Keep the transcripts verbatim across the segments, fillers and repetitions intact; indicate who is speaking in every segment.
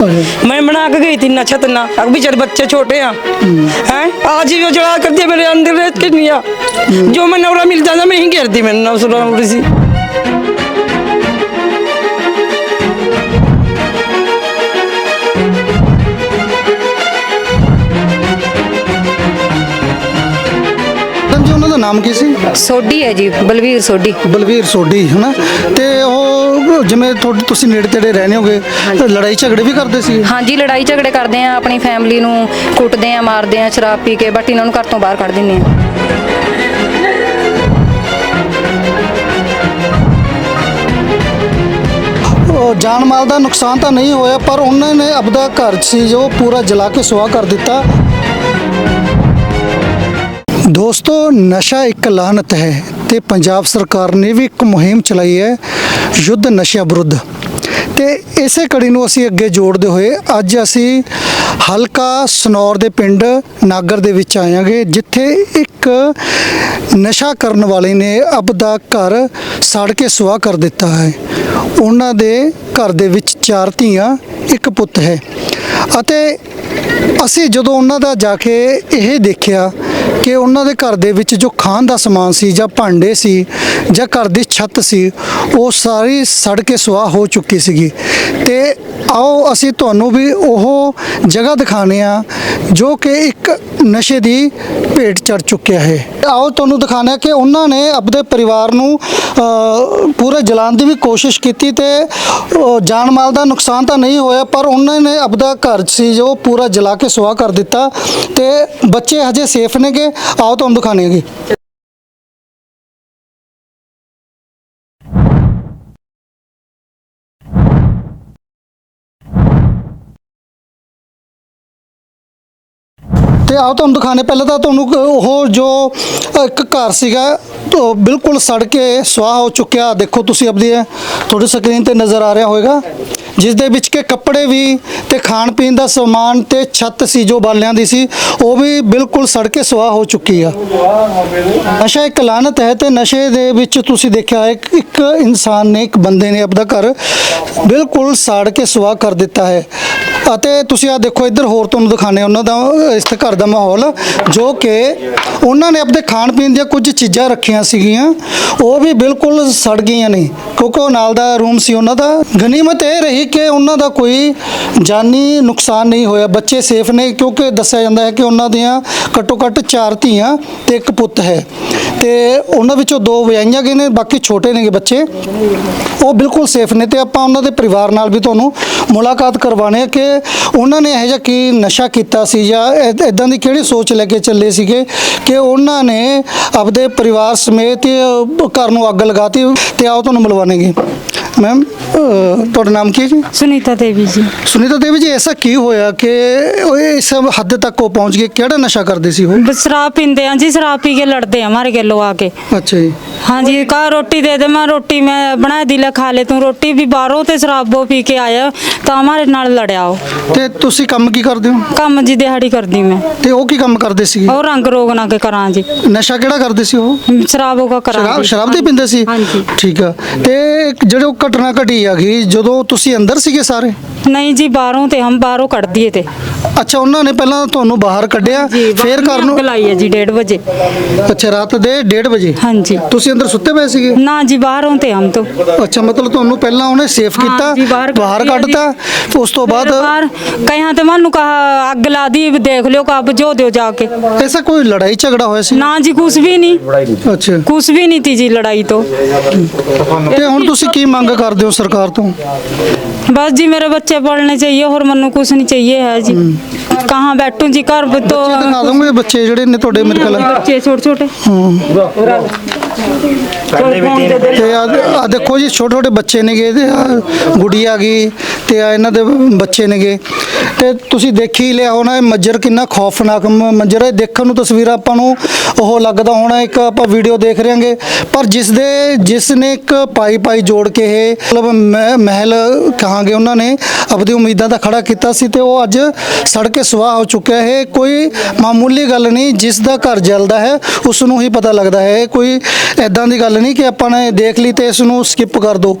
Speaker 1: मैं बना के गई थी ना छत ना, अब बेचारे बच्चे छोटे हैं हैं आज ही वो जला कर दिया मेरे अंदर रेत के निया। जो मैं नौरा मिल जाता मैं ही घेर दी मैंने नौरा सी।
Speaker 2: ਦਾ ਨਾਮ ਕੀ ਸੀ?
Speaker 3: ਸੋਢੀ ਹੈ ਜੀ, ਬਲਵੀਰ ਸੋਢੀ।
Speaker 2: ਬਲਵੀਰ ਸੋਢੀ ਹੈ ਨਾ। ਤੇ ਉਹ ਜਿਵੇਂ ਤੁਹਾਡੇ ਤੁਸੀਂ ਨੇੜੇ ਤੇੜੇ ਰਹਿੰਦੇ ਹੋਗੇ, ਲੜਾਈ ਝਗੜੇ ਵੀ ਕਰਦੇ ਸੀ?
Speaker 3: ਹਾਂਜੀ, ਲੜਾਈ ਝਗੜੇ ਕਰਦੇ ਆ, ਆਪਣੀ ਫੈਮਿਲੀ ਨੂੰ ਕੁੱਟਦੇ ਆ, ਮਾਰਦੇ ਆ ਸ਼ਰਾਬ ਪੀ ਕੇ, ਬਟ ਇਹਨਾਂ ਨੂੰ ਘਰ ਤੋਂ ਬਾਹਰ ਕੱਢ ਦਿੰਦੇ ਆ।
Speaker 2: ਜਾਨ ਮਾਲ ਦਾ ਨੁਕਸਾਨ ਤਾਂ ਨਹੀਂ ਹੋਇਆ, ਪਰ ਉਹਨਾਂ ਨੇ ਆਪਦਾ ਘਰ ਸੀ ਜੋ ਪੂਰਾ ਜਲਾ ਕੇ ਸੁਆਹ ਕਰ ਦਿੱਤਾ। ਦੋਸਤੋ, ਨਸ਼ਾ ਇੱਕ ਲਾਹਨਤ ਹੈ ਤੇ ਪੰਜਾਬ ਸਰਕਾਰ ਨੇ ਵੀ ਇੱਕ ਮੁਹਿੰਮ ਚਲਾਈ ਹੈ, ਯੁੱਧ ਨਸ਼ਿਆਂ ਵਿਰੁੱਧ। ਤੇ ਇਸੇ ਕੜੀ ਨੂੰ ਅਸੀਂ ਅੱਗੇ ਜੋੜਦੇ ਹੋਏ ਅੱਜ ਅਸੀਂ ਹਲਕਾ ਸਨੌਰ ਦੇ ਪਿੰਡ ਨਾਗਰ ਦੇ ਵਿੱਚ ਆਇਆਂਗੇ, ਜਿੱਥੇ ਇੱਕ ਨਸ਼ਾ ਕਰਨ ਵਾਲੇ ਨੇ ਆਪਦਾ ਘਰ ਸਾੜ ਕੇ ਸੁਆਹ ਕਰ ਦਿੱਤਾ ਹੈ। ਉਹਨਾਂ ਦੇ ਘਰ ਦੇ ਵਿੱਚ ਚਾਰ ਧੀਆਂ, ਇੱਕ ਪੁੱਤ ਹੈ। ਅਤੇ ਅਸੀਂ ਜਦੋਂ ਉਹਨਾਂ ਦਾ ਜਾ ਕੇ ਇਹ ਦੇਖਿਆ ਕਿ ਉਹਨਾਂ ਦੇ ਘਰ ਦੇ ਵਿੱਚ ਜੋ ਖਾਣ ਦਾ ਸਮਾਨ ਸੀ ਜਾਂ ਭਾਂਡੇ ਸੀ ਜਾਂ ਘਰ ਦੀ ਛੱਤ ਸੀ, ਉਹ ਸਾਰੀ ਸੜ ਕੇ ਸੁਆਹ ਹੋ ਚੁੱਕੀ ਸੀਗੀ। ਤੇ ਆਓ ਅਸੀਂ ਤੁਹਾਨੂੰ ਵੀ ਉਹ ਜਗ੍ਹਾ ਦਿਖਾਉਂਦੇ ਆ ਜੋ ਕਿ ਇੱਕ ਨਸ਼ੇ ਦੀ ਭੇਟ ਚੜ ਚੁੱਕਿਆ ਹੈ। ਆਓ ਤੁਹਾਨੂੰ ਦਿਖਾਉਂਦੇ ਆ ਕਿ ਉਹਨਾਂ ਨੇ ਆਪਣੇ ਪਰਿਵਾਰ ਨੂੰ ਪੂਰੇ ਜਲਾਉਣ ਦੀ ਵੀ ਕੋਸ਼ਿਸ਼ ਕੀਤੀ ਤੇ ਜਾਨ ਮਾਲ ਦਾ ਨੁਕਸਾਨ ਤਾਂ ਨਹੀਂ ਹੋਇਆ, ਪਰ ਉਹਨਾਂ ਨੇ ਆਪਦਾ ਘਰ ਸੀ ਜੋ ਪੂਰਾ ਜਲਾ ਕੇ ਸੁਆਹ ਕਰ ਦਿੱਤਾ। ਤੇ ਬੱਚੇ ਹਜੇ ਸੇਫ ਨੇਗੇ, ਆਓ ਤੁਹਾਨੂੰ ਦਿਖਾਉਂਦੇ ਹੈਗੇ। ਤੇ ਆਓ ਤੁਹਾਨੂੰ ਦਿਖਾਣੇ। ਪਹਿਲਾਂ ਤਾਂ ਤੁਹਾਨੂੰ ਉਹ ਜੋ ਇੱਕ ਘਰ ਸੀਗਾ तो बिल्कुल सड़ के सुआह हो चुकिया। देखो तुसी अपनी थोड़ी स्क्रीन ते नज़र आ रहा होगा, जिस दे विच के कपड़े भी ते खाण पीण दा समान ते छत सी जो बालियां दी सी वो भी बिल्कुल सड़ के सुआह हो चुकी है। नशा एक लानत है ते नशे दे विच तुसी देखिया है एक इंसान ने, एक बंदे ने अपना घर बिल्कुल साड़ के सुआह कर दिता है। ਅਤੇ ਤੁਸੀਂ ਆ ਦੇਖੋ ਇੱਧਰ ਹੋਰ ਤੁਹਾਨੂੰ ਦਿਖਾਣੇ ਉਹਨਾਂ ਦਾ ਇਸ ਘਰ ਦਾ ਮਾਹੌਲ, ਜੋ ਕਿ ਉਹਨਾਂ ਨੇ ਆਪਣੇ ਖਾਣ ਪੀਣ ਦੀਆਂ ਕੁਝ ਚੀਜ਼ਾਂ ਰੱਖੀਆਂ ਸੀਗੀਆਂ, ਉਹ ਵੀ ਬਿਲਕੁਲ ਸੜ ਗਈਆਂ ਨੇ, ਕਿਉਂਕਿ ਉਹ ਨਾਲ ਦਾ ਰੂਮ ਸੀ ਉਹਨਾਂ ਦਾ। ਗਨੀਮਤ ਇਹ ਰਹੀ ਕਿ ਉਹਨਾਂ ਦਾ ਕੋਈ ਜਾਨੀ ਨੁਕਸਾਨ ਨਹੀਂ ਹੋਇਆ, ਬੱਚੇ ਸੇਫ ਨੇ, ਕਿਉਂਕਿ ਦੱਸਿਆ ਜਾਂਦਾ ਹੈ ਕਿ ਉਹਨਾਂ ਦੀਆਂ ਘੱਟੋ ਘੱਟ ਚਾਰ ਧੀਆਂ ਤੇ ਇੱਕ ਪੁੱਤ ਹੈ ਤੇ ਉਹਨਾਂ ਵਿੱਚੋਂ ਦੋ ਵਿਆਹੀਆਂ ਗਏ ਨੇ, ਬਾਕੀ ਛੋਟੇ ਨੇਗੇ ਬੱਚੇ, ਉਹ ਬਿਲਕੁਲ ਸੇਫ ਨੇ। ਤੇ ਆਪਾਂ ਉਹਨਾਂ ਦੇ ਪਰਿਵਾਰ ਨਾਲ ਵੀ ਤੁਹਾਨੂੰ ਮੁਲਾਕਾਤ ਕਰਵਾਉਣੇ ਕਿ ਉਹਨਾਂ ਨੇ ਇਹੋ ਜਿਹਾ ਕੀ ਨਸ਼ਾ ਕੀਤਾ ਸੀ ਜਾਂ ਇੱਦਾਂ ਦੀ ਕਿਹੜੀ ਸੋਚ ਲੈ ਕੇ ਚੱਲੇ ਸੀਗੇ ਕਿ ਉਹਨਾਂ ਨੇ ਆਪਦੇ ਪਰਿਵਾਰ ਸਮੇਤ ਘਰ ਨੂੰ ਅੱਗ ਲਗਾਤੀ। ਤੇ ਆਓ ਤੁਹਾਨੂੰ ਮਿਲਵਾਣਗੇ। मैम ਤੁਹਾਡਾ ਨਾਮ ਕੀ ਹੈ ਜੀ?
Speaker 4: सुनीता देवी जी।
Speaker 2: ਸੁਨੀਤਾ ਦੇਵੀ ਜੀ, ऐसा ਕੀ ਹੋਇਆ ਕਿ ਉਹ ਇਸ ਹੱਦ ਤੱਕ ਉਹ ਪਹੁੰਚ ਗਏ? ਕਿਹੜਾ ਨਸ਼ਾ ਕਰਦੇ ਸੀ ਉਹ?
Speaker 4: बस शराब पीते हैं जी, शराब पी के लड़ते हैं हमारे गलों आके।
Speaker 2: ਅੱਛਾ ਜੀ।
Speaker 4: हाँ जी, कहा रोटी दे दे, मैं रोटी मैं बना दिला खा ले, तू रोटी भी बाहरों ते शराब वो पी के आया तो हमारे नाल लड़िया हो।
Speaker 2: ਤੇ ਤੁਸੀਂ ਕੰਮ ਕੀ ਕਰਦੇ ਹੋ?
Speaker 4: काम जी दिहाड़ी करदी मैं।
Speaker 2: ਤੇ ਉਹ ਕੀ ਕੰਮ ਕਰਦੇ ਸੀ?
Speaker 4: और रंग रोग ना के करा जी।
Speaker 2: ਨਸ਼ਾ ਕਿਹੜਾ ਕਰਦੇ ਸੀ ਉਹ?
Speaker 4: शराबों का करा
Speaker 2: ਸ਼ਰਾਬ
Speaker 4: जी।
Speaker 2: ਸ਼ਰਾਬ ਦੇ ਪੀਂਦੇ ਸੀ?
Speaker 4: हाँ जी।
Speaker 2: ਠੀਕ ਆ। ਤੇ ਜਿਹੜੇ ਉਹ ਘਟਨਾ ਘਟੀ ਹੈਗੀ ਜਦੋਂ ਤੁਸੀਂ ਅੰਦਰ ਸੀਗੇ ਸਾਰੇ?
Speaker 4: नहीं जी, बाहरों ते हम बाहरों कट दिए थे।
Speaker 2: ਅੱਛਾ, ਉਹਨਾਂ ਨੇ ਪਹਿਲਾਂ ਤੁਹਾਨੂੰ ਬਾਹਰ ਕੱਢਿਆ ਫਿਰ ਘਰ ਨੂੰ?
Speaker 4: लाई है जी डेढ़ बजे।
Speaker 2: ਅੱਛਾ, ਰਾਤ ਦੇ ਡੇਢ ਵਜੇ?
Speaker 4: हाँ जी।
Speaker 2: ਤੁਸੀਂ ਅੰਦਰ ਸੁੱਤੇ ਪਏ ਸੀਗੇ?
Speaker 4: ना जी, बाहरों ते हम तो।
Speaker 2: ਅੱਛਾ, ਮਤਲਬ ਤੁਹਾਨੂੰ ਪਹਿਲਾਂ ਉਹਨੇ ਸੇਫ
Speaker 4: हाँ
Speaker 2: ਕੀਤਾ,
Speaker 4: जी, बाहर
Speaker 2: ਬਾਹਰ
Speaker 4: ਕੱਢ ਦਿਆ
Speaker 2: ਕੱਢਤਾ, ਉਸ ਤੋਂ ਬਾਅਦ
Speaker 4: बाहर कहीं तो मानू कहा अग ला दी, देख लियो का बुझो दियो जाके।
Speaker 2: ਐਸਾ ਕੋਈ ਲੜਾਈ ਝਗੜਾ ਹੋਇਆ ਸੀ?
Speaker 4: ना जी, कुछ भी नहीं,
Speaker 2: ਅੱਛਾ।
Speaker 4: कुछ भी नहीं थी जी लड़ाई तो।
Speaker 2: ਤੇ ਹੁਣ ਤੁਸੀਂ ਕੀ ਮੰਗ ਕਰਦੇ ਹੋ ਸਰਕਾਰ ਤੋਂ?
Speaker 4: बस जी मेरे बच्चे पढ़ने चाहिए और मनु कुछ नहीं चाहिए है जी। कहाँ बैठूं जी, घर तो
Speaker 2: ਬੱਚੇ ਦਿਖਾ ਦੋਗੇ? ਬੱਚੇ ਜਿਹੜੇ ਨੇ ਤੁਹਾਡੇ ਮੇਰੇ ਖਿਆਲ
Speaker 4: बच्चे छोटे छोटे।
Speaker 2: ਤੇ ਆ ਦੇਖੋ ਜੀ, ਛੋਟੇ ਛੋਟੇ ਬੱਚੇ ਨੇਗੇ ਤੇ ਆਹ ਗੁੜੀ ਆ ਗਈ ਤੇ ਆ ਇਹਨਾਂ ਦੇ ਬੱਚੇ ਨੇਗੇ। ਤੇ ਤੁਸੀਂ ਦੇਖੀ ਲਿਆ ਹੋਣਾ ਇਹ ਮੰਜ਼ਰ ਕਿੰਨਾ ਖੌਫਨਾਕ ਮੰਜ਼ਰ ਹੈ। ਦੇਖਣ ਨੂੰ ਤਸਵੀਰਾਂ ਆਪਾਂ ਨੂੰ ਉਹ ਲੱਗਦਾ ਹੋਣਾ ਇੱਕ ਆਪਾਂ ਵੀਡੀਓ ਦੇਖ ਰਹੇ ਹਾਂਗੇ, ਪਰ ਜਿਸ ਦੇ ਜਿਸ ਨੇ ਇੱਕ ਪਾਈ ਪਾਈ ਜੋੜ ਕੇ ਇਹ ਮਤਲਬ ਮਹਿਲ ਕਹਾਂਗੇ ਉਹਨਾਂ ਨੇ ਆਪਣੀ ਉਮੀਦਾਂ ਦਾ ਖੜਾ ਕੀਤਾ ਸੀ ਤੇ ਉਹ ਅੱਜ ਸੜ ਕੇ ਸੁਆਹ ਹੋ ਚੁੱਕਿਆ ਹੈ। ਕੋਈ ਮਾਮੂਲੀ ਗੱਲ ਨਹੀਂ, ਜਿਸ ਦਾ ਘਰ ਜਲਦਾ ਹੈ ਉਸ ਨੂੰ ਹੀ ਪਤਾ ਲੱਗਦਾ ਹੈ। ਕੋਈ ਐਦਾਂ ਦੀ ਗੱਲ ਨਹੀਂ ਕਿ ਆਪਾਂ ਨੇ ਦੇਖ ਲਈ ਤੇ ਇਸ ਨੂੰ ਸਕਿਪ ਕਰ ਦਿਓ।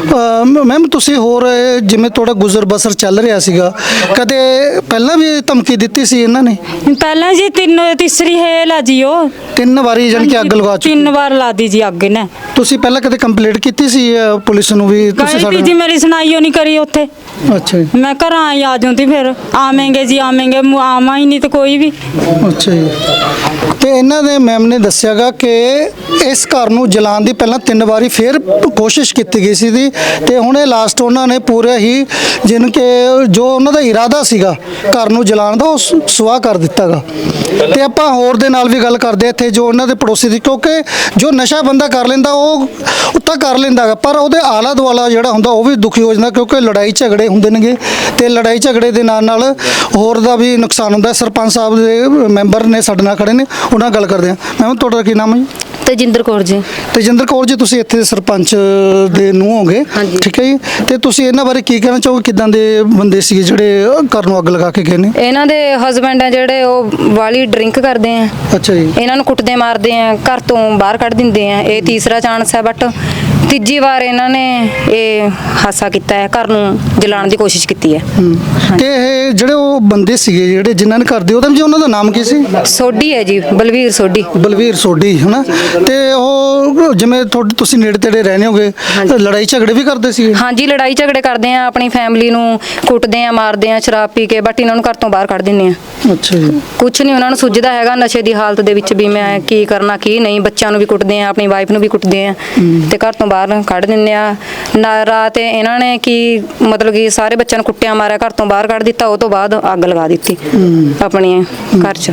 Speaker 2: ਮੈਮ ਤੁਸੀਂ ਹੋਰ ਇਹ ਜਿਵੇਂ ਤੁਹਾਡਾ ਗੁਜ਼ਰ ਬਸਰ ਚੱਲ ਰਿਹਾ ਸੀਗਾ, ਕਦੇ ਪਹਿਲਾਂ ਵੀ ਧਮਕੀ ਦਿੱਤੀ ਸੀ ਇਹਨਾਂ ਨੇ?
Speaker 4: ਪਹਿਲਾਂ ਜੀ ਤਿੰਨ ਤੀਸਰੀ ਹੇਲ ਆ ਜੀ ਉਹ
Speaker 2: ਤਿੰਨ ਵਾਰੀ ਜਾਣੀ ਕਿ ਅੱਗ ਲਗਾ ਚੁੱਕੇ।
Speaker 4: ਤਿੰਨ ਵਾਰ ਲਾ ਦੀ ਜੀ ਅੱਗ ਨੇ।
Speaker 2: ਤੁਸੀਂ ਪਹਿਲਾਂ ਕਦੇ ਕੰਪਲੇਂਟ ਕੀਤੀ ਸੀ ਅ, ਪੁਲਿਸ ਨੂੰ ਵੀ ਤੁਸੀਂ
Speaker 4: ਕਹੀ ਜੀ ਮੇਰੀ ਸੁਣਾਈ ਓ ਨਹੀਂ ਕਰੀ ਉੱਥੇ।
Speaker 2: ਅੱਛਾ ਜੀ,
Speaker 4: ਮੈਂ ਘਰਾਂ ਆਈ ਆ ਜਾਂਦੀ ਫਿਰ ਆਵੇਂਗੇ ਜੀ ਆਵੇਂਗੇ ਮੁ- ਆਵਾਂ ਹੀ ਨਹੀਂ ਤੇ ਕੋਈ ਵੀ।
Speaker 2: ਅੱਛਾ ਜੀ। ਤੇ ਇਹਨਾਂ ਦੇ ਮੈਮ ਨੇ ਦੱਸਿਆਗਾ ਕਿ ਇਸ ਘਰ ਨੂੰ ਜਲਾਉਣ ਦੀ ਪਹਿਲਾਂ ਤਿੰਨ ਵਾਰੀ ਫਿਰ ਕੋਸ਼ਿਸ਼ ਕੀਤੀ ਗਈ ਸੀ ਦੀ ਤੇ ਹੁਣ ਇਹ ਲਾਸਟ ਉਹਨਾਂ ਨੇ ਪੂਰੇ ਹੀ ਜਿਨ ਕਿ ਜੋ ਉਹਨਾਂ ਦਾ ਇਰਾਦਾ ਸੀਗਾ ਘਰ ਨੂੰ ਜਲਾਉਣ ਦਾ ਉਹ ਸ- ਸੁਆਹ ਕਰ ਦਿੱਤਾਗਾ। ਤੇ ਆਪਾਂ ਹੋਰ ਦੇ ਨਾਲ ਵੀ ਗੱਲ ਕਰਦੇ ਹਾਂ ਇੱਥੇ ਜੋ ਉਹਨਾਂ ਦੇ ਪੜੋਸੀ ਦੀ, ਕਿਉਂਕਿ ਜੋ ਨਸ਼ਾ ਬੰਦਾ ਕਰ ਲੈਂਦਾ ਉਹ ਉੱਤਾ ਕਰ ਲੈਂਦਾਗਾ ਪਰ ਉਹਦੇ ਆਲਾ ਦੁਆਲਾ ਜਿਹੜਾ ਹੁੰਦਾ ਉਹ ਵੀ ਦੁਖੀ ਹੋ ਜਾਂਦਾ, ਕਿਉਂਕਿ ਲੜਾਈ ਝਗੜੇ ਹੁੰਦੇ ਨੇਗੇ ਤੇ ਲੜਾਈ ਝਗੜੇ ਦੇ ਨਾਲ ਨਾਲ ਹੋਰ ਦਾ ਵੀ ਨੁਕਸਾਨ ਹੁੰਦਾ। ਸਰਪੰਚ ਸਾਹਿਬ ਦੇ ਮੈਂਬਰ ਨੇ ਸਾਡੇ ਨਾਲ ਖੜੇ ਨੇ, ਉਹਨਾਂ ਨਾਲ ਗੱਲ ਕਰਦੇ ਹਾਂ। ਮੈਮ ਤੁਹਾਡਾ ਕੀ ਨਾਮ ਹੈ ਜੀ?
Speaker 3: ਤੇਜਿੰਦਰ ਕੌਰ ਜੀ।
Speaker 2: ਤੇਜਿੰਦਰ ਕੌਰ ਜੀ, ਤੁਸੀਂ ਇੱਥੇ ਦੇ ਸਰਪੰਚ ਦੇ ਨੂੰ ਹੋਗੇ,
Speaker 3: ਹਾਂਜੀ।
Speaker 2: ਠੀਕ ਹੈ ਜੀ। ਤੇ ਤੁਸੀਂ ਇਹਨਾਂ ਬਾਰੇ ਕੀ ਕਹਿਣਾ ਚਾਹੋਗੇ, ਕਿਦਾਂ ਦੇ ਬੰਦੇ ਸੀਗੇ ਜਿਹੜੇ ਘਰ ਨੂੰ ਅੱਗ ਲਗਾ ਕੇ ਗਏ ਨੇ?
Speaker 3: ਇਹਨਾਂ ਦੇ ਹਸਬੈਂਡ ਆ ਜਿਹੜੇ ਉਹ ਵਾਲੀ ਡਰਿੰਕ ਕਰਦੇ ਆ,
Speaker 2: ਅੱਛਾ ਜੀ,
Speaker 3: ਇਹਨਾਂ ਨੂੰ ਕੁੱਟਦੇ ਮਾਰਦੇ ਆ, ਘਰ ਤੋਂ ਬਾਹਰ ਕੱਢ ਦਿੰਦੇ ਆ। ਇਹ ਤੀਸਰਾ ਚਾਂਸ ਹੈ ਬਟ ਤੀਜੀ ਵਾਰ ਇਹਨਾਂ ਨੇ ਇਹ ਹਾਸਾ ਕੀਤਾ ਹੈ, ਘਰ ਨੂੰ ਜਲਾਉਣ ਦੀ ਕੋਸ਼ਿਸ਼ ਕੀਤੀ ਹੈ।
Speaker 2: ਤੇ ਇਹ ਜਿਹੜੇ ਉਹ ਬੰਦੇ ਸੀਗੇ ਜਿਹੜੇ ਜਿਨ੍ਹਾਂ ਨੇ ਘਰ ਦੇ, ਉਹਦਾ ਜੀ ਉਹਨਾਂ ਦਾ ਨਾਮ ਕੀ ਸੀ?
Speaker 3: ਸੋਢੀ ਹੈ ਜੀ, ਬਲਵੀਰ ਸੋਢੀ।
Speaker 2: ਬਲਵੀਰ ਸੋਢੀ, ਹਨਾ। ਤੇ ਉਹ ਜਿਵੇਂ ਤੁਹਾਡੇ ਤੁਸੀਂ ਨੇੜੇ ਤੇੜੇ ਰਹਿੰਦੇ ਹੋਗੇ, ਲੜਾਈ ਝਗੜੇ ਵੀ ਕਰਦੇ ਸੀ?
Speaker 3: ਹਾਂਜੀ, ਲੜਾਈ ਝਗੜੇ ਕਰਦੇ ਆ, ਆਪਣੀ ਫੈਮਿਲੀ ਨੂੰ ਕੁੱਟਦੇ ਆ, ਮਾਰਦੇ ਆ ਸ਼ਰਾਬ ਪੀ ਕੇ, ਬਟ ਇਹਨਾਂ ਨੂੰ ਘਰ ਤੋਂ ਬਾਹਰ ਕੱਢ ਦਿੰਦੇ ਆ।
Speaker 2: ਅੱਛਾ ਜੀ।
Speaker 3: ਕੁਛ ਨਹੀਂ ਉਹਨਾਂ ਨੂੰ ਸੁੱਝਦਾ ਹੈਗਾ, ਨਸ਼ੇ ਦੀ ਹਾਲਤ ਦੇ ਵਿੱਚ ਵੀ ਮੈਂ ਕੀ ਕਰਨਾ ਕੀ ਨਹੀਂ। ਬੱਚਿਆਂ ਨੂੰ ਵੀ ਕੁੱਟਦੇ ਆ, ਆਪਣੀ ਵਾਈਫ ਨੂੰ ਵੀ ਕੁੱਟਦੇ ਆ ਤੇ ਘਰ ਤੋਂ ਬਾਹਰ ਕੱਢ ਦਿੰਦੇ ਆ। ਨਾ ਰਾਤ ਇਹਨਾਂ ਨੇ ਕੀ ਮਤਲਬ ਕਿ ਸਾਰੇ ਬੱਚਿਆਂ ਨੂੰ ਕੁੱਟਿਆ ਮਾਰਿਆ, ਘਰ ਤੋਂ ਬਾਹਰ ਕੱਢ ਦਿੱਤਾ, ਉਹ ਤੋਂ ਬਾਅਦ ਅੱਗ ਲਗਾ ਦਿੱਤੀ ਆਪਣੇ ਘਰ 'ਚ।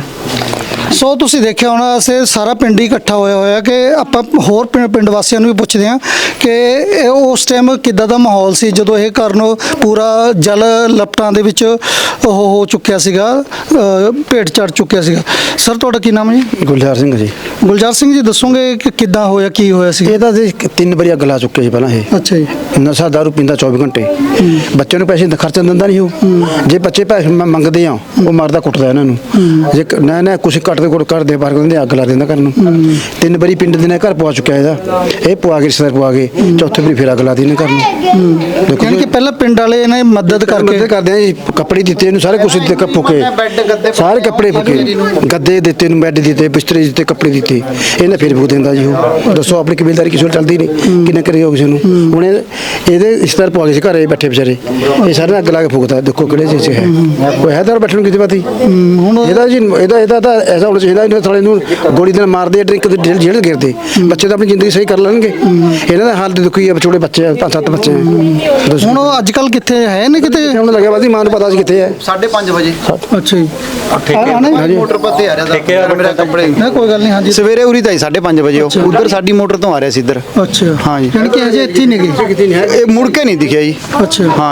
Speaker 2: ਸੋ ਤੁਸੀਂ ਦੇਖਿਆ ਹੋਣਾ, ਅਸੀਂ ਸਾਰਾ ਪਿੰਡ ਹੀ ਇਕੱਠਾ ਹੋਇਆ ਹੋਇਆ ਕਿ ਆਪਾਂ ਹੋਰ ਪਿੰ- ਪਿੰਡ ਵਾਸੀਆਂ ਨੂੰ ਵੀ ਪੁੱਛਦੇ ਹਾਂ ਕਿ ਇਹ ਉਸ ਟਾਈਮ ਕਿੱਦਾਂ ਦਾ ਮਾਹੌਲ ਸੀ ਜਦੋਂ ਇਹ ਘਰ ਨੂੰ ਪੂਰਾ ਜਲ ਲਪਟਾਂ ਦੇ ਵਿੱਚ ਉਹ ਹੋ ਚੁੱਕਿਆ ਸੀਗਾ, ਅ, ਭੇਟ ਚੜ ਚੁੱਕਿਆ ਸੀਗਾ। ਸਰ ਤੁਹਾਡਾ ਕੀ ਨਾਮ ਹੈ ਜੀ?
Speaker 5: ਗੁਲਜ਼ਾਰ ਸਿੰਘ ਜੀ।
Speaker 2: ਗੁਲਜ਼ਾਰ ਸਿੰਘ ਜੀ, ਦੱਸੋਗੇ ਕਿ ਕਿੱਦਾਂ ਹੋਇਆ, ਕੀ ਹੋਇਆ ਸੀ?
Speaker 5: ਇਹ ਤਾਂ ਜੀ ਤਿੰਨ ਵਾਰੀ ਅੱਗ ਲਾ ਚੁੱਕੇ ਸੀ ਪਹਿਲਾਂ। ਇਹ
Speaker 2: ਅੱਛਾ ਜੀ।
Speaker 5: ਨਸ਼ਾ ਦਾਰੂ ਪੀਂਦਾ ਚੌਵੀ ਘੰਟੇ, ਬੱਚੇ ਨੂੰ ਪੈਸੇ ਖਰਚਣ ਦਿੰਦਾ ਨਹੀਂ ਉਹ। ਜੇ ਬੱਚੇ ਪੈਸੇ ਮ- ਮੰਗਦੇ ਆ ਉਹ ਮਾਰਦਾ ਕੁੱਟਦਾ ਇਹਨਾਂ ਨੂੰ। ਜੇ ਕ- ਨਾ ਨਾ ਕੁਛ ਘੱਟ ਦੇ ਕੋਲ ਕਰਦੇ ਬਾਹਰ ਕਹਿੰਦੇ ਅੱਗ ਲਾ ਦਿੰਦਾ ਘਰ ਨੂੰ। ਤਿੰਨ ਵਾਰੀ ਪਿੰਡ ਦੇ ਨੇ ਘਰ ਪਵਾ ਚੁੱਕਿਆ ਇਹਦਾ, ਇਹ ਪਵਾ ਕੇ ਰਿਸ਼ਤੇਦਾਰ ਪਵਾ ਕੇ ਚੌਥੇ ਵਾਰੀ ਫਿਰ ਅੱਗ ਲਾ ਦਿੱਤੀ ਇਹਨੇ ਘਰ ਨੂੰ। ਦੇਖੋ
Speaker 2: ਯਾਨੀ ਕਿ ਪਹਿਲਾਂ ਪਿੰਡ ਵਾਲੇ ਇਹਨਾਂ ਦੀ ਮਦਦ ਕਰਕੇ
Speaker 5: ਮਦਦ ਕਰਦੇ ਆ ਜੀ, ਕੱਪੜੇ ਦਿੱਤੇ ਇਹਨੂੰ, ਸਾਰੇ ਕੁਛ ਦਿੱਤੇ, ਕੱਪ ਫੁਕੇ ਸਾਰੇ ਕੱਪੜੇ ਫੁਕੇ, ਗੱਦੇ ਦਿੱਤੇ ਇਹਨੂੰ, ਬੈੱਡ ਦਿੱਤੇ, ਬਿਸਤਰੇ ਦਿੱਤੇ, ਕੱਪੜੇ ਦਿੱਤੇ, ਇਹਨੇ ਫਿਰ ਫੂਕ ਦਿੰਦਾ ਜੀ ਉਹ। ਦੱਸੋ ਆਪਣੀ ਕਬੀਲਦਾਰੀ ਕਿਸੇ ਨੂੰ ਚੱਲਦੀ ਨਹੀਂ, ਕਿੰਨੇ ਕਰੇ ਹੋ ਕਿਸੇ ਨੂੰ। ਹੁਣ ਇਹ- ਇਹਦੇ ਰਿਸ਼ਤੇਦਾਰ ਪਵਾ ਕੇ ਸੀ ਘਰੇ ਬੈਠੇ ਵਿਚਾਰੇ, ਇਹ ਸਾਰੇ ਅੱਗ ਲਾ ਕੇ ਫੂਕਦਾ। ਦੇਖੋ ਕਿਹੜੇ ਚੀਜ਼ 'ਚ ਹੈ, ਕੋਈ ਹੈ ਤਾਂ ਬੈਠਣ ਨੂੰ ਕਿਤੇ ਬਾਤੀ।
Speaker 2: ਹੁਣ
Speaker 5: ਇਹਦਾ ਜੀ ਇਹਦਾ ਇਹਦਾ ਤਾਂ ਐਸਾ ਹੋਣਾ ਚਾਹੀਦਾ, ਇਹਨਾਂ ਥੋੜੇ ਨੂੰ ਗੋਲੀ ਦੇ ਨਾਲ ਮਾਰਦੇ, ਡਰਿੰਕ ਦੇ ਜੇਲ੍ਹ ਜੇਲ੍ਹ ਗਿਰਦੇ। ਬੱਚੇ ਤਾਂ ਆਪਣੀ ਜ਼ਿੰਦਗੀ ਸਹੀ ਕਰ ਲੈਣਗੇ, ਇਹਨਾਂ ਦਾ ਹਾਲ ਤੇ ਦੁਖੀ ਹੈ। ਛੋਟੇ ਬੱਚੇ ਆ, ਪੰਜ ਸੱਤ ਬੱਚੇ ਆ। ਦੱਸੋ
Speaker 2: ਹੁਣ ਉਹ ਅੱਜ ਕੱਲ ਕਿੱਥੇ ਹੈ ਨੇ ਕਿਤੇ?
Speaker 5: ਹੁਣ ਲੱਗਿਆ ਬਾਦੀ ਮਾਂ ਨੂੰ ਪਤਾ ਸੀ ਕਿੱਥੇ ਹੈ।
Speaker 6: ਸਾਢੇ ਪੰਜ ਵਜੇ
Speaker 2: ਅੱਛਾ ਜੀ।
Speaker 6: ਠੇਕੇ ਮੋਟਰ ਪਰ ਤੇ ਆ ਰਿਹਾ ਦਾ ਮੇਰਾ ਕੱਪੜੇ
Speaker 2: ਨਾ ਕੋਈ ਗੱਲ ਨਹੀਂ। ਹਾਂਜੀ।
Speaker 6: ਸਵੇਰੇ ਉਰੀ ਤਾਂ ਸਾਢੇ ਪੰਜ ਵਜੇ ਉਹ ਉਧਰ ਸਾਡੀ ਮੋਟਰ ਤੋਂ ਆ ਰਿਹਾ ਸੀ ਇੱਧਰ।
Speaker 2: ਅੱਛਾ।
Speaker 6: ਹਾਂ ਜੀ।
Speaker 2: ਯਾਨੀ ਕਿ ਅਜੇ ਇੱਥੇ ਹੀ ਨਹੀਂ ਗਏ।
Speaker 6: ਇਹ ਮੁੜ ਕੇ ਨਹੀਂ ਦਿਖਿਆ ਜੀ।
Speaker 2: ਅੱਛਾ।
Speaker 6: ਹਾਂ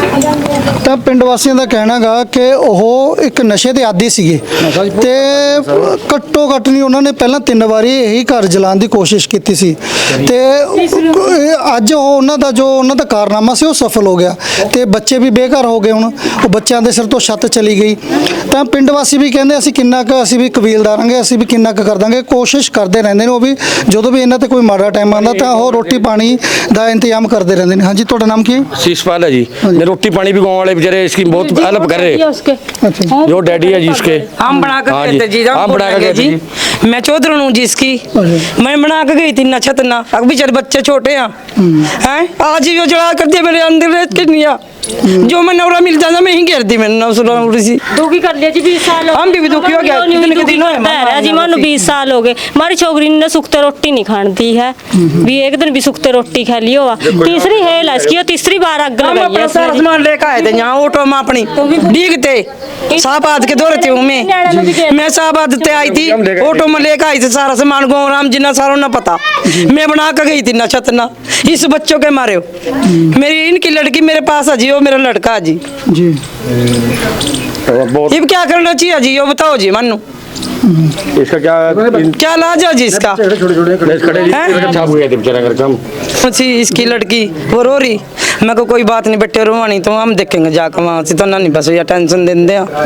Speaker 6: ਜੀ।
Speaker 2: ਤਾਂ ਪਿੰਡ ਵਾਸੀਆਂ ਦਾ ਕਹਿਣਾਗਾ ਕਿ ਉਹ ਇੱਕ ਨਸ਼ੇ ਦੇ ਆਦੀ ਸੀਗੇ ਤੇ ਘੱਟੋ ਘੱਟ ਨਹੀਂ ਉਹਨਾਂ ਨੇ ਪਹਿਲਾਂ ਤਿੰਨ ਵਾਰੀ ਇਹੀ ਘਰ ਜਲਾਉਣ ਦੀ ਕੋਸ਼ਿਸ਼ ਕੀਤੀ ਸੀ ਤੇ ਇਹ ਅੱਜ ਉਹ ਉਹਨਾਂ ਦਾ ਜੋ ਉਹਨਾਂ ਦਾ ਕਾਰਨਾਮਾ ਸੀ ਉਹ ਸਫਲ ਹੋ ਗਿਆ ਤੇ ਬੱਚੇ ਵੀ ਬੇਘਰ ਹੋ ਗਏ। ਹੁਣ ਉਹ ਬੱਚਿਆਂ ਦੇ ਸਿਰ ਤੋਂ ਛੱਤ ਚਲੀ ਗਈ। ਤਾਂ ਪਿੰਡ ਵਾਸੀ ਵੀ ਕਹਿੰਦੇ ਅਸੀਂ ਕਿੰਨਾ ਕੁ ਅਸੀਂ ਵੀ ਕਬੀਲਦਾਰਾਂਗੇ, ਅਸੀਂ ਵੀ ਕਿੰਨਾ ਕੁ ਕਰ ਦਾਂਗੇ, ਕੋਸ਼ਿਸ਼ ਕਰਦੇ ਰਹਿੰਦੇ ਨੇ ਉਹ ਵੀ। ਜਦੋਂ ਵੀ ਇਹਨਾਂ ਤੇ ਕੋਈ ਮਾੜਾ ਟਾਈਮ ਆਉਂਦਾ ਤਾਂ ਉਹ ਰੋਟੀ ਪਾਣੀ ਦਾ ਇੰਤਜ਼ਾਮ ਕਰਦੇ ਰਹਿੰਦੇ ਨੇ। ਹਾਂਜੀ ਤੁਹਾਡਾ ਨਾਮ ਕੀ ਹੈ?
Speaker 7: शीशपाल है जी। ये रोटी पानी भी गाँव वाले बेचारे इसकी बहुत हेल्प कर रहे हैं। जो डैडी है जी इसके,
Speaker 1: हम बना कर
Speaker 7: हाँ
Speaker 1: गए थे जी, जब
Speaker 7: हम बना कर गए
Speaker 1: जी
Speaker 7: थे
Speaker 1: मैं चौधरी हूँ जी इसकी। मैं बना के गई थी ना छत ना, अब बेचारे बच्चे छोटे हैं हैं आज ही वो जला कर दिया मेरे अंदर रेत के निया। जो मैं नौरा मिल जाता मैं ही घेर दी मैंने उस नौरी सी।
Speaker 8: दुखी कर लिया जी बीस साल हो
Speaker 1: हम भी दुखी हो गया, कितने के दिन हुए
Speaker 8: है जी मानो बीस साल हो गए। हमारी छोकरी ने सुखते रोटी नहीं खाती है, भी एक दिन भी सुखते रोटी खा लियो। तीसरी है इसकी, और तीसरी बार अग
Speaker 1: हम
Speaker 8: लगाई
Speaker 1: अपना
Speaker 8: है
Speaker 1: सारा
Speaker 8: इसने जी।
Speaker 1: सामान लेकर आए थे यहाँ ऑटो में अपनी डीगते साहबाद के दौरे थे मैं मैं साहबाद ते आई थी, ऑटो में लेकर आई थी सारा सामान गाँव राम जिन्ना सारा ना पता। मैं बना कर गई थी ना छत ना इस बच्चों के मारे हो। मेरी इनकी लड़की मेरे पास है जी, वो मेरा लड़का है जी।
Speaker 2: जी।
Speaker 7: बहुत
Speaker 1: ये क्या करना चाहिए जी, ये बताओ जी मनु
Speaker 7: इसका क्या
Speaker 1: क्या लाज है जी इसका?
Speaker 7: खड़े
Speaker 1: हैं?
Speaker 7: छाप गए थे बेचारा घर काम।
Speaker 1: अच्छी इसकी लड़की वो रो रही मैं को कोई बात नहीं बेटे रोवा नहीं तो हम देखेंगे जाकर वहाँ से तो ना नहीं बस या टेंशन देंदे आ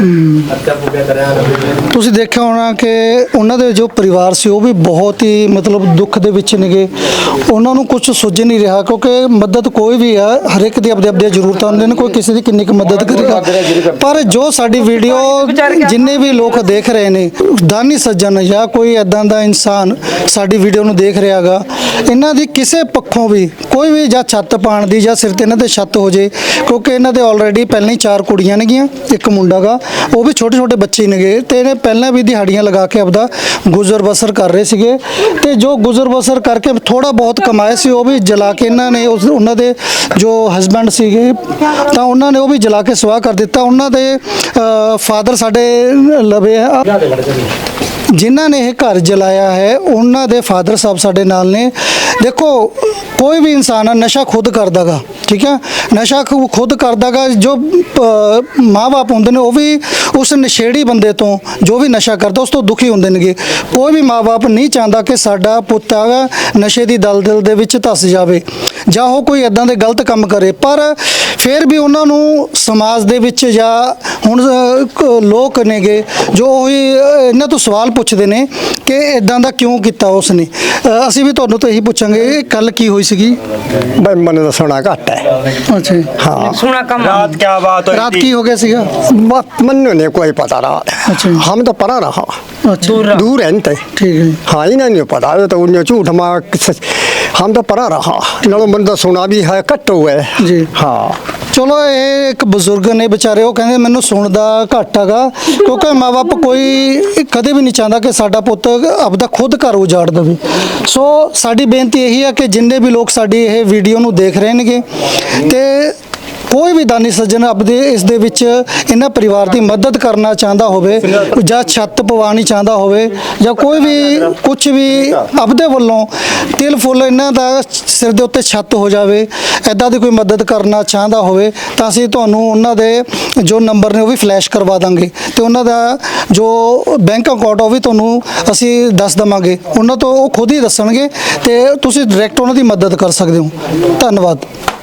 Speaker 2: ਤੁਸੀਂ ਦੇਖਿਆ ਹੋਣਾ ਕਿ ਉਹਨਾਂ ਦੇ ਜੋ ਪਰਿਵਾਰ ਸੀ ਉਹ ਵੀ ਬਹੁਤ ਹੀ ਮਤਲਬ ਦੁੱਖ ਦੇ ਵਿੱਚ ਨੇਗੇ। ਉਹਨਾਂ ਨੂੰ ਕੁਝ ਸੁੱਝ ਨਹੀਂ ਰਿਹਾ ਕਿਉਂਕਿ ਮਦਦ ਕੋਈ ਵੀ ਆ ਹਰ ਇੱਕ ਦੀ ਆਪਦੇ ਆਪਦੇ ਜ਼ਰੂਰਤਾਂ ਹੁੰਦੀਆਂ ਨੇ, ਕੋਈ ਕਿਸੇ ਦੀ ਕਿੰਨੀ ਕੁ ਮਦਦ ਕਰੇਗਾ। ਪਰ ਜੋ ਸਾਡੀ ਵੀਡੀਓ ਜਿੰਨੇ ਵੀ ਲੋਕ ਦੇਖ ਰਹੇ ਨੇ, ਦਾਨੀ ਸੱਜਣ ਜਾਂ ਕੋਈ ਐਦਾਂ ਦਾ ਇਨਸਾਨ ਸਾਡੀ ਵੀਡੀਓ ਨੂੰ ਦੇਖ ਰਿਹਾਗਾ, ਇਹਨਾਂ ਦੀ ਕਿਸੇ ਪੱਖੋਂ ਵੀ ਕੋਈ ਵੀ ਜਾਂ ਛੱਤ ਪਾਣ ਦੀ ਜਾਂ ਸਿਰ ਤੇ ਇਹਨਾਂ ਦੇ ਛੱਤ ਹੋ ਜੇ, ਕਿਉਂਕਿ ਇਹਨਾਂ ਦੇ ਆਲਰੇਡੀ ਪਹਿਲਾਂ ਹੀ ਚਾਰ ਕੁੜੀਆਂ ਨੇਗੀਆਂ, ਇੱਕ ਮੁੰਡਾ ਗਾ, ਉਹ ਵੀ ਛੋਟੇ ਛੋਟੇ ਬੱਚੇ ਨੇਗੇ ਤੇ ਇਹਨੇ ਪਹਿਲਾਂ ਵੀ ਦਿਹਾੜੀਆਂ ਲਗਾ ਕੇ ਆਪਦਾ ਗੁਜ਼ਰ ਬਸਰ ਕਰ ਰਹੇ ਸੀਗੇ ਤੇ ਜੋ ਗੁਜ਼ਰ ਬਸਰ ਕਰਕੇ ਥੋੜਾ ਬਹੁਤ ਕਮਾਏ ਸੀ ਉਹ ਵੀ ਜਲਾ ਕੇ ਇਹਨਾਂ ਨੇ ਉਸ ਉਹਨਾਂ ਦੇ ਜੋ ਹਸਬੈਂਡ ਸੀਗੇ ਤਾਂ ਉਹਨਾਂ ਨੇ ਉਹ ਵੀ ਜਲਾ ਕੇ ਸਵਾਹ ਕਰ ਦਿੱਤਾ। ਉਹਨਾਂ ਦੇ ਫਾਦਰ ਸਾਡੇ ਲਵੇ ਆ, ਜਿਨ੍ਹਾਂ ਨੇ ਇਹ ਘਰ ਜਲਾਇਆ ਹੈ ਉਹਨਾਂ ਦੇ ਫਾਦਰ ਸਾਹਿਬ ਸਾਡੇ ਨਾਲ ਨੇ। ਦੇਖੋ ਕੋਈ ਵੀ ਇਨਸਾਨ ਨਸ਼ਾ ਖੁਦ ਕਰਦਾਗਾ, ਠੀਕ ਹੈ, ਨਸ਼ਾ ਖੁ- ਖੁਦ ਕਰਦਾਗਾ। ਜੋ ਮਾਂ-ਬਾਪ ਹੁੰਦੇ ਨੇ ਉਹ ਵੀ ਉਸ ਨਸ਼ੇੜੀ ਬੰਦੇ ਤੋਂ ਜੋ ਵੀ ਨਸ਼ਾ ਕਰਦਾ ਉਸ ਤੋਂ ਦੁਖੀ ਹੁੰਦੇ ਨੇਗੇ। ਕੋਈ ਵੀ ਮਾਂ-ਬਾਪ ਨਹੀਂ ਚਾਹੁੰਦਾ ਕਿ ਸਾਡਾ ਪੁੱਤ ਆ ਨਸ਼ੇ ਦੀ ਦਲਦਲ ਦੇ ਵਿੱਚ ਧੱਸ ਜਾਵੇ ਜਾਂ ਉਹ ਕੋਈ ਇਦਾਂ ਦੇ ਗਲਤ ਕੰਮ ਕਰੇ, ਪਰ ਫਿਰ ਵੀ ਉਹਨਾਂ ਨੂੰ ਸਮਾਜ ਦੇ ਵਿੱਚ ਜਾਂ ਹੁਣ ਅ, ਕ- ਲੋਕ ਨੇਗੇ ਜੋ ਉਹੀ ਅ, ਇਹਨਾਂ ਤੋਂ ਸਵਾਲ ਪੁੱਛਦੇ ਨੇ ਕਿ ਇਦਾਂ ਦਾ ਕਿਉਂ ਕੀਤਾ ਉਸਨੇ। ਅ, ਅਸੀਂ ਵੀ ਤੁਹਾਨੂੰ ਤੋਂ ਇਹੀ ਪੁੱਛਾਂਗੇ ਕੱਲ ਕੀ ਹੋਈ ਸੀਗੀ।
Speaker 9: भाई मन तो सोना घट है।
Speaker 2: ਅੱਛਾ
Speaker 9: हाँ
Speaker 1: सुना कम
Speaker 9: रात क्या बात हुई
Speaker 2: ਰਾਤ
Speaker 9: थी?
Speaker 2: ਕੀ ਹੋ ਗਿਆ ਸੀਗਾ?
Speaker 9: बात मन नहीं कोई पता रात
Speaker 2: अच्छा।
Speaker 9: हम तो परा रहा
Speaker 2: ਅੱਛਾ
Speaker 9: दूर है नहीं
Speaker 2: ਠੀਕ ਹੈ।
Speaker 9: हाँ इन्हें नहीं पता तो उन्हें झूठ मार हम तो परा रहा लड़ो मन तो सोना भी है कट हुआ है
Speaker 2: जी।
Speaker 9: हाँ
Speaker 2: ਚਲੋ ਇਹ ਇੱਕ ਬਜ਼ੁਰਗ ਨੇ ਵਿਚਾਰੇ, ਉਹ ਕਹਿੰਦੇ ਮੈਨੂੰ ਸੁਣ ਦਾ ਘੱਟ ਹੈਗਾ ਕਿਉਂਕਿ ਮਾਂ-ਬਾਪ ਕੋਈ ਕਦੇ ਵੀ ਨਹੀਂ ਚਾਹੁੰਦਾ ਕਿ ਸਾਡਾ ਪੁੱਤ ਆਪਦਾ ਖੁਦ ਘਰ ਉਜਾੜ ਦੇਵੇ। ਸੋ ਸਾਡੀ ਬੇਨਤੀ ਇਹੀ ਹੈ ਕਿ ਜਿੰਨੇ ਵੀ ਲੋਕ ਸਾਡੀ ਇਹ ਵੀਡੀਓ ਨੂੰ ਦੇਖ ਰਹੇ ਨੇਗੇ ਤੇ ਕੋਈ ਵੀ ਦਾਨੀ ਸੱਜਣ ਆਪਦੇ ਇਸ ਦੇ ਵਿੱਚ ਇਹਨਾਂ ਪਰਿਵਾਰ ਦੀ ਮਦਦ ਕਰਨਾ ਚਾਹੁੰਦਾ ਹੋਵੇ ਜਾਂ ਛੱਤ ਪਵਾਉਣੀ ਚਾਹੁੰਦਾ ਹੋਵੇ ਜਾਂ ਕੋਈ ਵੀ ਕੁਝ ਵੀ ਆਪਦੇ ਵੱਲੋਂ ਤਿਲ ਫੁੱਲ ਇਹਨਾਂ ਦਾ ਸਿਰ ਦੇ ਉੱਤੇ ਛੱਤ ਹੋ ਜਾਵੇ, ਐਦਾਂ ਦੀ ਕੋਈ ਮਦਦ ਕਰਨਾ ਚਾਹੁੰਦਾ ਹੋਵੇ ਤਾਂ ਅਸੀਂ ਤੁਹਾਨੂੰ ਉਹਨਾਂ ਦੇ ਜੋ ਨੰਬਰ ਨੇ ਉਹ ਵੀ ਫਲੈਸ਼ ਕਰਵਾ ਦਾਂਗੇ ਤੇ ਉਹਨਾਂ ਦਾ ਜੋ ਬੈਂਕ ਅਕਾਊਂਟ ਉਹ ਵੀ ਤੁਹਾਨੂੰ ਅਸੀਂ ਦੱਸ ਦਵਾਂਗੇ। ਉਹਨਾਂ ਤੋਂ ਉਹ ਖੁਦ ਹੀ ਦੱਸਣਗੇ ਤੇ ਤੁਸੀਂ ਡਾਇਰੈਕਟ ਉਹਨਾਂ ਦੀ ਮਦਦ ਕਰ ਸਕਦੇ ਹੋ। ਧੰਨਵਾਦ।